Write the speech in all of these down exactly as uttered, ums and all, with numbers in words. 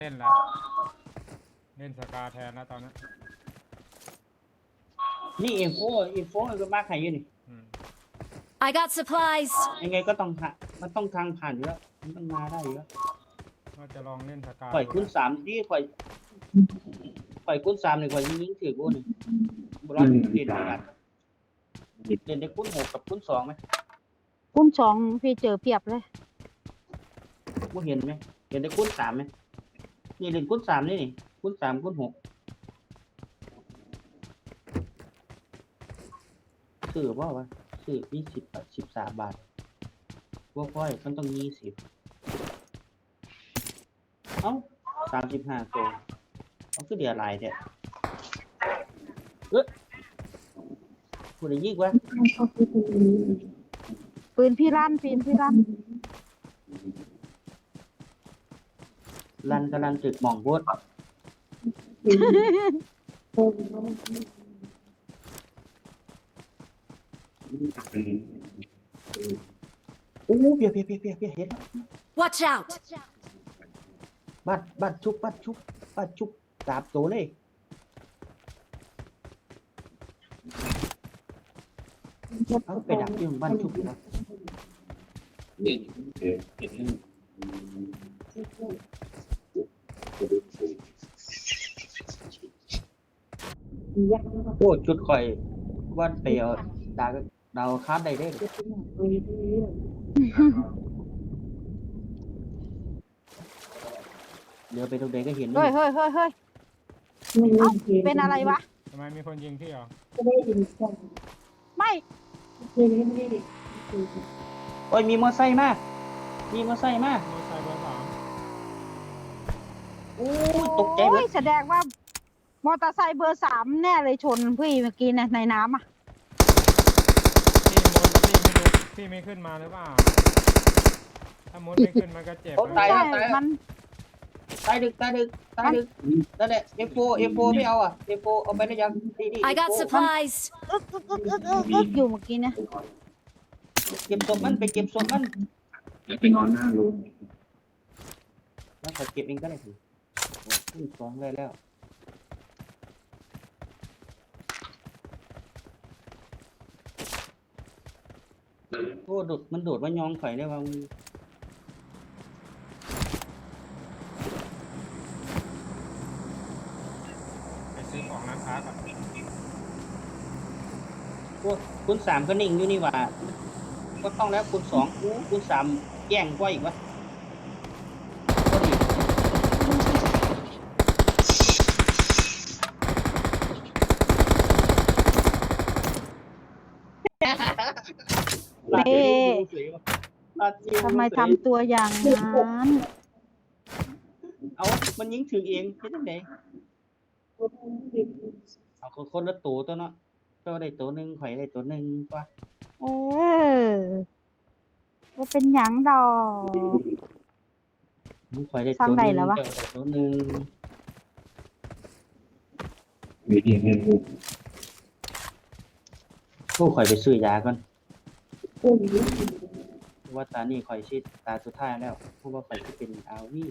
เล่นแล้วเล่นสกาแทนแล้วตอนนี้นี่เอฟโฟเอฟโฟก็มากใครอยู่นี่ I got supplies ยังไงก็ต้องผ่านมันต้องทางผ่านอยู่แล้วมันต้องมาได้อยู่แล้วว่าจะลองเล่นสกาข่อยคูณสามที่ข่อยข่อยคูณสามนี่ข่อยยิงยิงถือกูนี่บุรันเล่นกันเล่นได้คูณหกกับคูณสองไหมคุ้มสองพี่เจอเพียบเลยกูเห็นไหมเห็นได้คูณสามไหมนี่เล่นคูณสามนี่นี่คูณสามคูณหกซื้อว่าวะซื้อยี่สิบบาทสิบสามบาทพวกค่อยมันต้องยี่สิบเอ้าสามสิบห้าตัวเอาคือเดียร์ลายเนี่ยเอ๊ะกูได้ยิงวะปืนพี่ลั่นปืนพี่ลั่นลันกำลังจึกหม่องบดโอ้เปียเปียเปียเปียเปียเห็นแล้ว Watch out บัดบัดชุบบัดชุบบัดชุบสามตัวเลยเอาไปดักที่บ้านชุบนะโอ้จุดข่อยวันเปียวดาวดาวคาดได้ได้เดี๋ยวไปตรงไหนก็เห็นเฮ้ยเฮ้ยเฮ้ยเฮ้ยเอ้าเป็นอะไรวะทำไมมีคนยิงพี่เหรอไม่โอ้ยมีมอไซค์มามีมอไซค์มาโมไซค์เบอร์สามโอ้ยตกใจหมโอ้ดยแสดงว่ามอเตอร์ไซค์เบอร์สามแน่เลยชนพี่เมื่อกี้นะในน้ำอ่ะพี่มุดพี่ไม่รู้พี่ไม่ขึ้นมาหรือเปล่าถ้ามุดไม่ขึ้นมันก็เจ็บตายใช่แล้วตายแล้วมันตายดึกตายดึกตายดึกนั่นแหละ เอฟ โฟ เอฟ โฟ ไม่เอาอ่ะ เอฟ โฟ เอาไปได้ยังดีดี I got supplies อึกอึกอึกอึกอึกอึกอยู่เมื่อกี้นะเก็บศพมันไปเก็บศพมันไปนอนหน้ารูมแล้วขอเก็บเองก็ได้สิขึ้นสองเลยแล้วโอ้โดดมันโดดว่ายองข่อยได้ว่าไปซื้อของร้านค้าก่อนโอ้คุณสามก็นิ่งอยู่นี่หว่าก็ต้องแล้วคุณสองอู้คุณสามแย่งกว่าอีกวะก็ดีเอ๊ะทำไมทำตัวอย่างนั้นเอามันยิงถึงเองเป็นยังไงเอาคนละตัวตัวเนาะเจ้าได้ตัวหนึ่งข่อยได้ตัวหนึ่งกว่าเออว่าเป็นหยังดอกมึงข่อยได้ตัวหนึ่งเจ้าได้ตัวหนึ่งมีเพียงเงินรูมผู้ข่อยไปซื้อยาก่อนว่าตานี่ข่อยชิดตาสุดท้ายแล้วเพราะว่าข่อยจะเป็นอาวี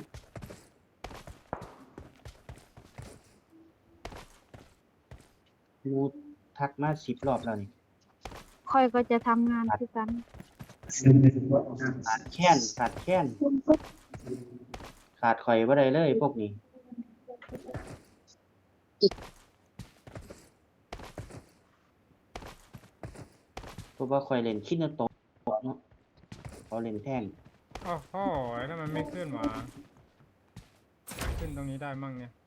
งูทักมาสิบรอบแล้วนี่ค่อยก็จะทำงานด้วยกันซึ่งในทุกวันหน้าขาดแค้นขาดแค้นขาดข่อยบ่ได้เลยพวกนี้เพราะว่าข่อยเล่นคิดนาโตะเนาะเขาเล่นแท่งโอ้โหแล้วมันไม่ขึ้นหวะขึ้นตรงนี้ได้มั่งเนี่ย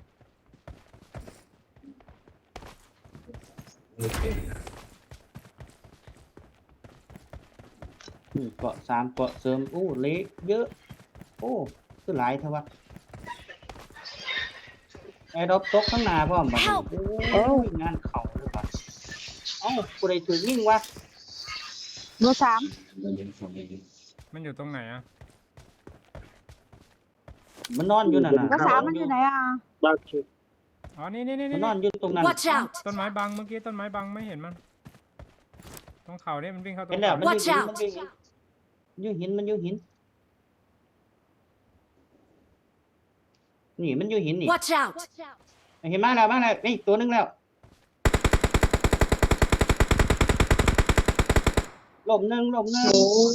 อืมเกาะสามเกาะเสริมโอ้เละเยอะ โอ้คือหลายเท่าวะไอ้ดอกตกข้างหน้าพร้อมบัดนี้โอ้ยงานเข่าเลยว่ะเอ้ากูได้ถือยิ่งวะเบอร์สามเราเรียนส่วนนี้มันอยู่ตรงไหนอ่ะมันนอนอยู่นั่นน่ะเบอร์สามมันอยู่ไหนอ่ะอ๋อนี่นี่นี่มันนี่นอนอยู่ตรงนั้น Watch out ต้นไม้บังเมื่อกี้ต้นไม้บังไม่เห็นมันตรงเขาเนี่ยมันวิ่งเข้าตรเห็งนแล้วมัน Watch อยู่หิน out มันอยู่หินอยู่หินมันอยู่หินนี่มันอยู่หินนี่ Watch out! เห็นมาแล้วมาแล้วนี่ตัวหนึงแล้วหลบหนึ่งหลบหนึ่ง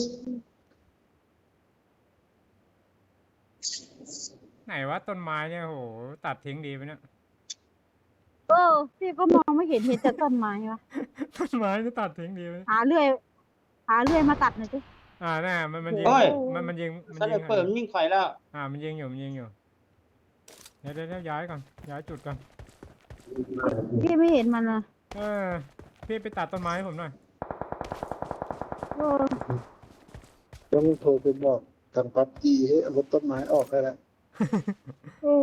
ไหนวะต้นไม้เนี่ยโหตัดทิ้งดีไปเนี่ยเออพี่ก็มองไม่เห็นเห็นแต่ต้นไม้วะต้นไม้จะตัดทิ้งดีไหมหาเลื่อย หาเลื่อยมาตัดหน่อยสิอ่าแน่มันมันยิงโอ้ยมันมันยิงมันสไนยิงเปอร์มันยิงไฟแล้วอ่ามันยิงอยู่มันยิงอยู่เดี๋ยวเดี๋ยวเดี๋ยวย้ายก่อนย้ายจุดก่อนพี่ไม่เห็นมันนะเออพี่ไปตัดต้นไม้ให้ผมหน่อยเออต้องโทรไปบอกทางปั๊บจีให้เอารถต้นไม้ออกได้แล้วเออ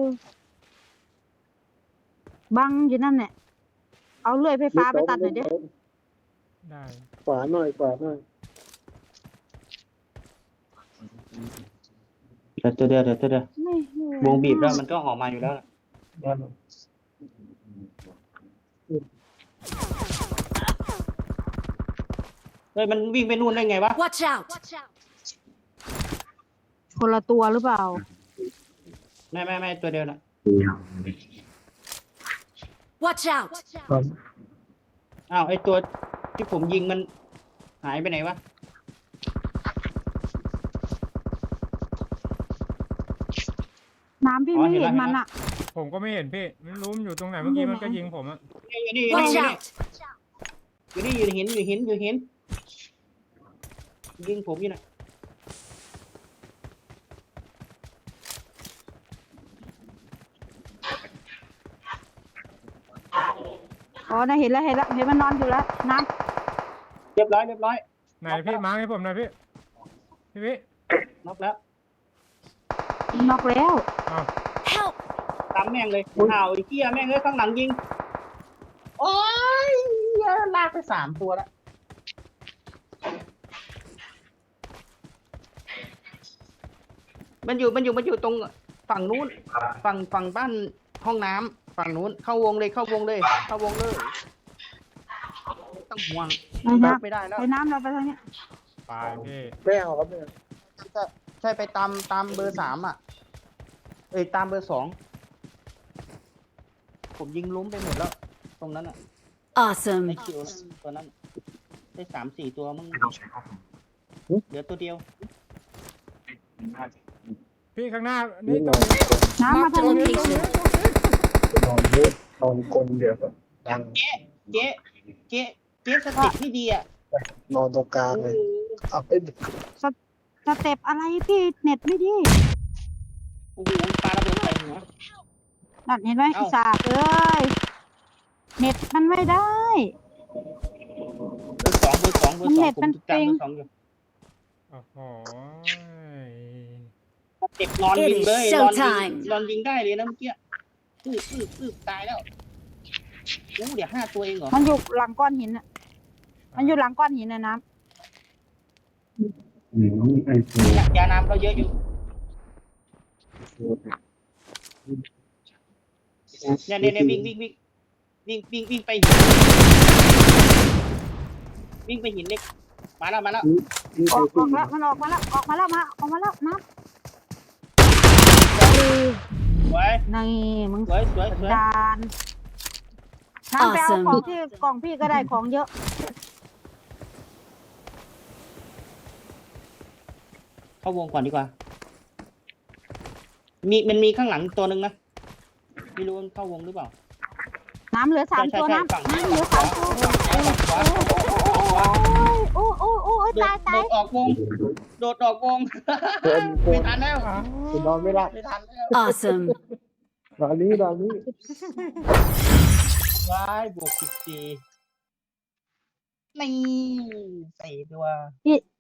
บังอยู่นั่นแหละเอาเลื่อยไฟฟ้าไปตัดหน่อยดิได้ขวาหน่อยขวาหน่อยเดี๋ยวตัวเดียวเดี๋ยวตัวเดียวไม่ไม่วงบีบแล้วมันก็ออกมาอยู่แล้วล่ะเฮ้ยมันวิ่งไปนู่นได้ไงวะ Watch out! คนละตัวหรือเปล่าไม่ไม่ไม่ตัวเดียวน่ะ Watch out! อ้าวไอตัวที่ผมยิงมันหายไปไหนวะน้ำพี่ไม่เห็นมันอ่ะผมก็ไม่เห็นพี่ไม่รู้มันอยู่ตรงไหนเมื่อกี้มันก็ยิงผมอะนี่อยู่นี่อยู่ Watch นี่ out! อยู่นี่อยู่หินอยู่หินอยู่หินยิงผมอยู่น่ะอ๋อน่ะเห็นแล้วเห็นแล้วเห็นมันนอนอยู่แล้วน้เรียบร้อยเรียบร้อยไหนพี่มาร์คให้ผมหน่อยพี่พี่พี่น็อกแล้วำนอกแล้วอ้าว Help! ตามแม่งเลยอ้าวไอ้เหี้ยแม่งเลยข้างหลังยิงโอ้ยเหี้ยลากไปสามตัวแล้วมันอยู่มันอยู่มันอยู่ตรงฝั่งนู้นฝั่งฝั่งบ้านห้องน้ำฝั่งนู้นเข้าวงเลยเข้าวงเลย เข้าวงเลยไม่ต้องห่วงไปน้ไม่ได้แล้วำไปน้ำเราไปทางเนี้ยไปพี่ไม่เอาครับเนี่ยใช่ใช่ไปตามตามเบอร์สามอ่ะ เอ้ยตามเบอร์สองผมยิงล้มไปหมดแล้ว ตรงนั้นอ่ะ Awesome! ในคิวน่ะตัวนั้นได้สามสี่ตัวมึงไม่ต้องใช้ข้อมูลเหลือตัวเดียวพี่ข้างหน้านี่ตรงน้ำมา Mark ทาง the นี้ location. นอนพูดนอนกลนเดี๋ยวแบบดังเจ๊เจ๊เจ๊เจ๊สติที่ดีอ่ะนอนตรงกลางเลยเอาไปสเต็ปอะไรพี่เน็ตไม่ดีโอ้โหปลาระเบิดใส่หัวนั่นเห็นไหมเอ้าอีสาเอ้ยเน็ตมันไม่ได้เบอร์สองเบอร์สองเบอร์สองมันเน็ตผมมันจำปิงเบอร์สองอยู่โอ้โหเด็กนอนยิงเลย It is นอนยิง showtime นอนยิงได้เลยนะเมื่อกี้ปืบปืบปืบตายแล้วโอ้เดี๋ยวห้าตัวเองเหรอมันอยู่หลังก้อนหินอ่ะ มันอยู่หลังก้อนหินนะน้หรือไอ้ตัวยาน้ำเราเยอะอยู่เนี่ยเนี่ยเนี่ยวิ่งวิ่งวิ่งวิ่งวิ่งวิ่งไปหินวิ่งไปหินเล็กมาแล้วมาแล้วำออกออกแล้วมันออกมาแล้วออกมาแล้วมาออกมาแล้วน้ำสวยนี่มึงสวยสวยสวยดานน้ำไปเอา Awesome ของที่กล่องพี่ก็ได้ของเยอะเข้าวงก่อนดีกว่า มีมันมีข้างหลังตัวหนึ่งนะไม่รู้มันเข้าวงหรือเปล่าน้ำเหลือสามใช่ตัวใช่น้ำฝั่งน้ำเหลือสามตัวขวาขวาโอ้โอ้โอ้โอ้โดตาดยโดตายดออกวง โดดออกวงเดินโคไม่นทันแล้วอ้าวนอนไม่หลับไม่ทันแล้ว Awesome! นอนนี้นอนนี้ว้ายบวกสิบสี่นี่ใส่ตัวพี่